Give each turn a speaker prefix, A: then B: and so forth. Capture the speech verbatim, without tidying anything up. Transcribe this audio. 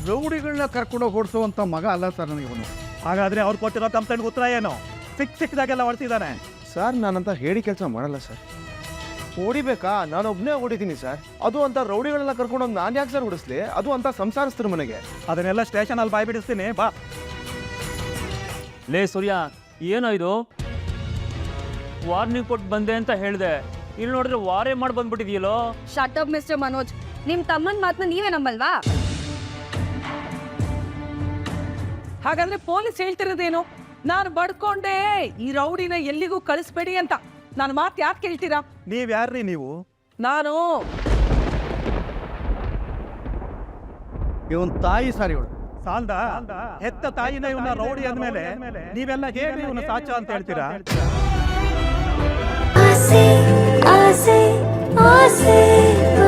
A: ರೌಡಿಗಳನ್ನ ಕರ್ಕೊಂಡೋಗಿ ಓಡಿಸುವಂಥ ಮಗ ಅಲ್ಲ ಸರ್ ನನಗೆ ಇವನು.
B: ಹಾಗಾದ್ರೆ ಅವ್ರು ಕೊಟ್ಟಿರೋ ಕಂಪ್ಲೇಂಟ್ ಉತ್ತರ ಏನು? ಸಿಕ್ ಸಿಕ್ಕದಾಗೆಲ್ಲ ಹೊಡ್ತಿದ್ದಾನೆ.
C: ಸರ್ ನಾನಂತ ಹೇಳಿ ಕೆಲಸ ಮಾಡಲ್ಲ ಸರ್. ಹೊಡಿಬೇಕಾ? ನಾನು ಒಬ್ಬನೇ ಹೊಡಿತೀನಿ ಸರ್. ಅದು ಅಂತ ರೌಡಿಗಳನ್ನ ಕರ್ಕೊಂಡೋಗಿ ನಾನು ಯಾಕೆ ಸರ್ ಹೊಡಿಸ್ಲಿ? ಅದು ಅಂತ ಸಂಸಾರಿಸ್ತಾರೆ ಮನೆಗೆ.
B: ಅದನ್ನೆಲ್ಲ ಸ್ಟೇಷನಲ್ಲಿ ಬಾಯ್ ಬಿಡಿಸ್ತೀನಿ ಬಾ.
D: ಲೇ ಸೂರ್ಯ, ಏನೋ ಇದು? ವಾರ್ನಿಂಗ್ ಕೊಟ್ಟು ಬಂದೆ ಅಂತ ಹೇಳಿದೆ, ಇಲ್ಲಿ ನೋಡಿದ್ರೆ ವಾರೇ ಮಾಡಿ ಬಂದ್ಬಿಟ್ಟಿದೆಯಲ್ಲೋ.
E: Shut up mister Manoj. ನಿಮ್ ತಮ್ಮನ ಮಾತನ್ನ ನೀವೇ ನಂಬಲ್ವಾ?
F: ಹಾಗಾದ್ರೆ ಪೊಲೀಸ್ ಹೇಳ್ತಿರೋದೇನು? ನಾನು ಬಡ್ಕೊಂಡೆ ಈ ರೌಡಿನ ಎಲ್ಲಿಗೂ ಕಳಿಸ್ಬೇಡಿ ಅಂತ. ನಾನು ಮಾತು ಯಾಕೆ ಕೇಳ್ತೀರಾ?
B: ನೀವ್ ಯಾರ್ರೀ ನೀವು?
F: ನಾನು
A: ಇವನ್ ತಾಯಿ ಸರ್ ಇವಳು.
B: ಸಾಲ್ದ ಹೆತ್ತ ತಾಯಿನ ಇವನ್ನ ರೌಡಿ ಅಂದ್ಮೇಲೆ ನೀವೆಲ್ಲ ಹೇಗೆ ಇವನು ಸಾಚ ಅಂತ ಹೇಳ್ತೀರಾ?
G: ಆಸೆ ಆಸೆ ಆಸೆ